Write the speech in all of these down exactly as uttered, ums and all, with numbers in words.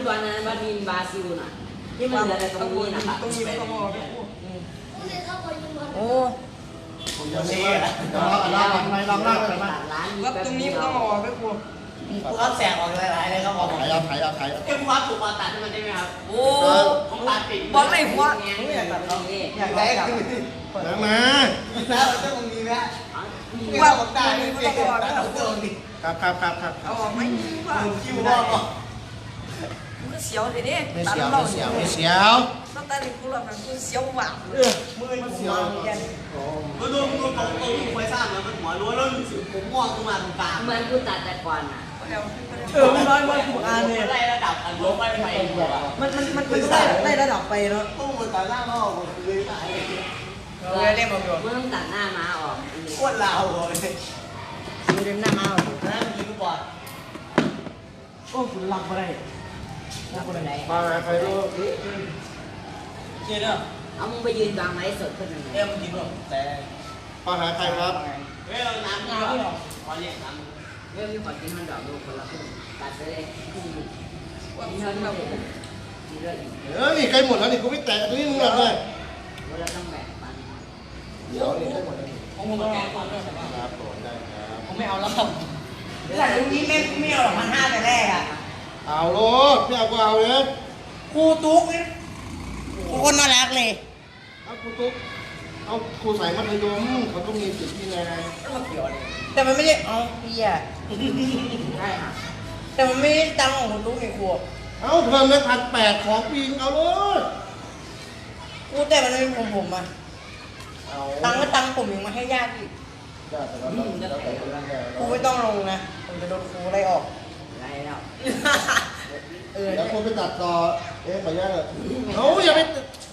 ตอนนั้นบาดินบราซิลน่ะที่มันเหลือแต่ตรงนี้นะครับตรงนี้ไม่ต้องมองโอ้ผมจะชี้อ่ะลองลองไปลองเล่าไปบ้างตรงนี้ไม่ต้องมองไม่กลัวกูเขาแสบออกหลายๆเลยเขาบอกถ่ายเอาถ่ายเอาถ่ายเอาแค่ความถูกมาตัดให้มันได้ไหมครับโอ้ผมตัดปิดบอลไหนหัวอยากตัดเขาอยากได้คือมามาแล้วเจ้ามึงมีไหมว่าผมได้ไม่ต้องบอกครับครับครับครับเอาออกไหมว่าคิวว่ามันก็เสียวเลยดิไม่เสียวไม่เสียวไม่เสียวน้ำตาลิกูหลับมันกูเสียวหวานเออมือมันเสียวแกนมันดูมันดูตรงตรงที่ควยสร้างมันมันหัวรั้วแล้วผมมองขึ้นมาตรงกลางเหมือนกูตัดแต่ก่อนน่ะเออมันร้อยวันถูกอ่านเลยไล่ระดับอันลบไปไปมันมันมันมันได้ได้ระดับไปเนาะตู้มันตัดหน้ามาออกเลยตายเออเล่นมาอยู่มึงต้องตัดหน้าม้าออกโคตรลาวเลยมึงเล่นหน้าม้าออกนั่นยิงบอลโอ้คุณหลับอะไรหลับอะไรมาใครรู้เจ๊เนาะเอามึงไปยืนวางไม้สดขึ้นยังไงเอ้ยมึงกินหรอแต่มาหาใครครับเฮ้ยน้ำน้ำไม่หรอกขอเรียกน้ำเรื่องที่ขอกินมันดอกลูกคนละครึ่งตัดไปเลยครึ่งว่ามีเท่านี้มีเรื่องอีกเออนี่ใกล้หมดแล้วนี่กูไม่แตะตรงนี้มึงหมดเลยเราต้องแบ่งปันเดี๋ยวนี่ใกล้หมดแล้วผมมาแกงก่อนได้ไหมครับผมได้ครับผมไม่เอาแล้วครับแต่ตรงนี้ไม่ไม่เอาหรอกมันห้าแต่แรกอ่ะเอาโลดไม่เอาก็เอาเลยครูตุ๊กคนน่ารักเลยเอาครูตุ๊กเอาครูสายมัธยมเขาต้องมีสิทธิ์ที่ไงแต่มันไม่ได้เอาพี่อ่ะใช่ค่ะแต่มันไม่ได้ตังของคุณตุ๊กไงครูเอาเพิ่มเลยพันแปดของปีเอาโลดครูแต่มันไม่เป็นผมผมอ่ะตังก็ตังผมยังมาให้ญาติอีกครูไม่ต้องลงนะผมจะโดนครูไล่ออกไรแล้วเออแล้วคนไปตัดต่อเอ๊ะไปย่าเลยเอาอย่าไป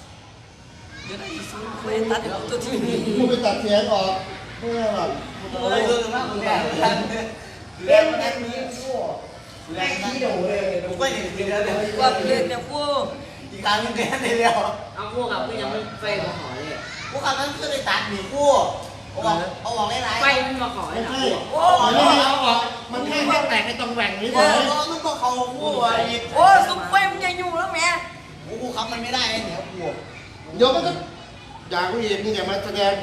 ไม่ตัดตัวที่คุณไปตัดเสียงออกไม่ได้หรอกอะไรเรื่องมากคุณแม่เล่นแค่นี้ครูแรงที่โดเลยผมก็ยังกินแล้วเลยว่าเล่นเนี่ยครูอีกครั้งนึงแค่ในเดียวเอาพวกกับก็ยังไม่ไฟมาขอเลยพวกเขาต้องขึ้นไปตัดหนีคู่เอาออกเอาออกได้ไรไฟมันมาขอให้หนักโอ้ยเอาออกมันแค่แค่แตกในตรงแหว่งนี้เฉยมันก็เขาคู่อ่ะโอ้ซุปเปอร์มันยังอยู่แล้วแม่โอ้ครับมันไม่ได้เหนียวคู่เดี๋ยวมันก็อยากกูอีกนี่อย่ามาแสดง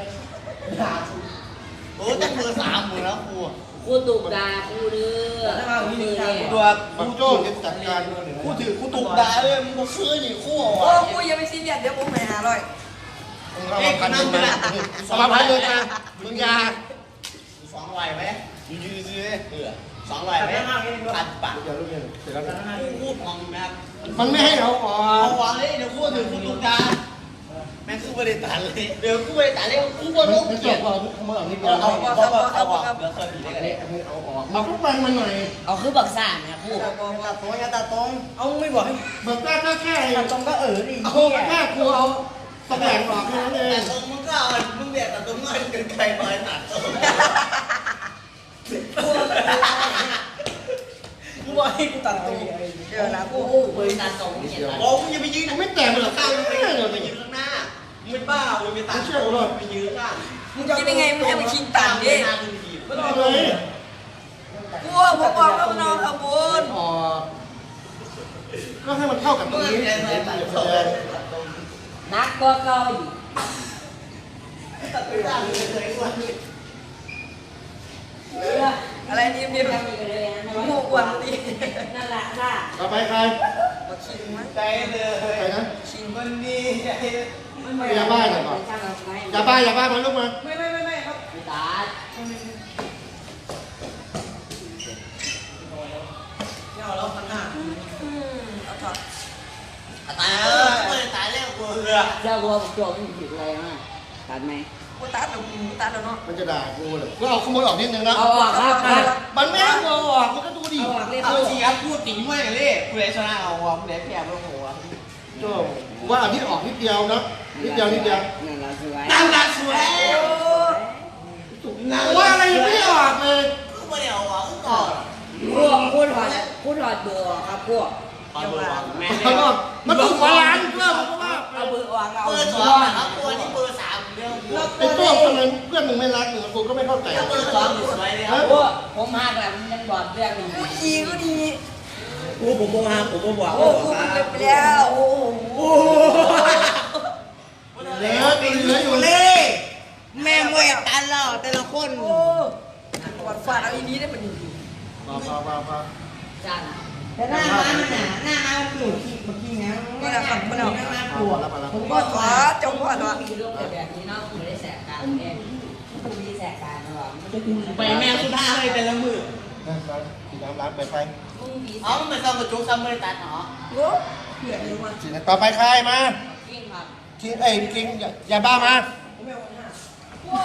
โอ้ตั้งมือสามมือแล้วครูครูตุกดาครูเนื้อครูตัวครูโจ้จัดการครูถือครูตุกดาเลยมึงก็ซื้อหนีคู่อ่ะโอ้ครูอย่าไปซีเรียสเดี๋ยวผมไปหาเลยเอามาพันหนึ่งมาเอามาพันหนึ่งมามึงยาสองไหวไหมยืดยืดเออสองไหวไหมพันปากเดี๋ยวลูกเดี๋ยวเสร็จแล้วพูดมองนะครับมันไม่ให้เราออกเอาวางเลยเดี๋ยวพูดถึงคุณตุกดาแม่คือไม่ได้ตัดเลยเดี๋ยวกูไม่ได้ตัดเลยกูก็ต้องเก็บเอาเอาเอานี่เอาเอาเอาเอาเดี๋ยวเคยผิดได้กันเลยเอาออกเอาขึ้นไปมันหน่อยเอาคือบักซ่านะครูตัดตรงอย่าตัดตรงเอาไม่บอกให้บักซ่าแค่แค่ตัดตรงก็เออดิเอาแค่ครูเอาตำแหน่งออกแค่นั้นเองแต่ตรงมึงก็เอามึงเบียดแต่ตรงเงินเกินใครไปตัดกูบอกให้กูตัดตรงเดี๋ยวนะกูกูตัดตรงนี่โอ้มึงอย่าไปยืนไม่แต่มันหรอกข้างมึงไปยืนไปยืนข้างหน้ามึงเป็นบ้ามึงไปตัดเชือกเลยไปยืนข้างมึงจะยังไงมึงให้มันคิงตัดดิไม่ต้องเลยกูบอกบอกแล้วมันนอนขบวนอ๋อก็ให้มันเข้ากับตรงนี้นักก็เกาอีกอะไรนี่นี่แบบหมูกวนดินั่นแหละค่ะต่อไปใครมาชิงมั้ยใจเลยใครนะชิงคนนี้อย่าบ้าหน่อยก่อนอย่าบ้าอย่าบ้ามาลูกมาไม่ไม่ไม่ไม่ครับตาเอาแล้วพันหน้าเอาถอดตายไม่ตายแล้วกูเรือเจ้าวัวผมโจมผิดอะไรมาตัดไหมกูตัดแล้วกูตัดแล้วเนาะมันจะด่ากูเลยก็เอาขโมยออกนิดนึงนะเอาออกครับมันไม่ให้เอาออกมันก็ดูดิเอาออกเลยเอาสิครับพูดตีมากเลยผู้ใดชนะเอาออกผู้ใดแพ้ไม่ต้องหัวโจ้ว่าอันนี้ออกนิดเดียวนะนิดเดียวนิดเดียวนั่นละสวยนั่นละสวยว่าอะไรไม่ออกเลยก็ไม่ได้เอาออกก่อนพวกพูดถอดพูดถอดเบอร์ครับพวกเบอร์แม่มันถูกหัวล้านเพื่อนเพราะว่าเอาเบอร์วางเอาเบอร์สองครับตัวนี้เบอร์สามเรื่องไอ้ตัวคนนั้นเพื่อนมึงไม่รักหนึ่งกูก็ไม่เข้าใจเบอร์สองสวยเลยครับพวกผมหักแหละมันยังบอดเรื่องหนึ่งดีก็ดีกูผมบอกว่าผมบอกโอ้กูมันเก็บไปแล้วโอ้โหเหลือตีเหลืออยู่เลยแม่มวยตันแล้วแต่ละคนโอ้ฟาดฟาดเอาอีนี้ได้มันดีมามามามาจานแต่หน้าม้ามันหนาหน้าม้ามันหลุดขี้เมื่อกี้นะมันหนามันหนาหน้าปวดผมพ่ก็อถถออดดจงพ่อถอดมีเรื่องแบบนี้เนาะไม่ได้แสกการเองกูมีแสกการนะวะมันจะกูไปแม่สุดท้ายเลยแต่ละมือนั่นครับสีน้ำร้านไปไฟมึงมีอ๋อมันไม่ต้องกระจุกซ้ำไม่ได้ตัดหรอโอ้เผื่อเลยว่าสีน้ำต่อไปใครมากิ้งครับคิงเอ้ยคิงอย่าอย่าบ้ามาผมไม่เอา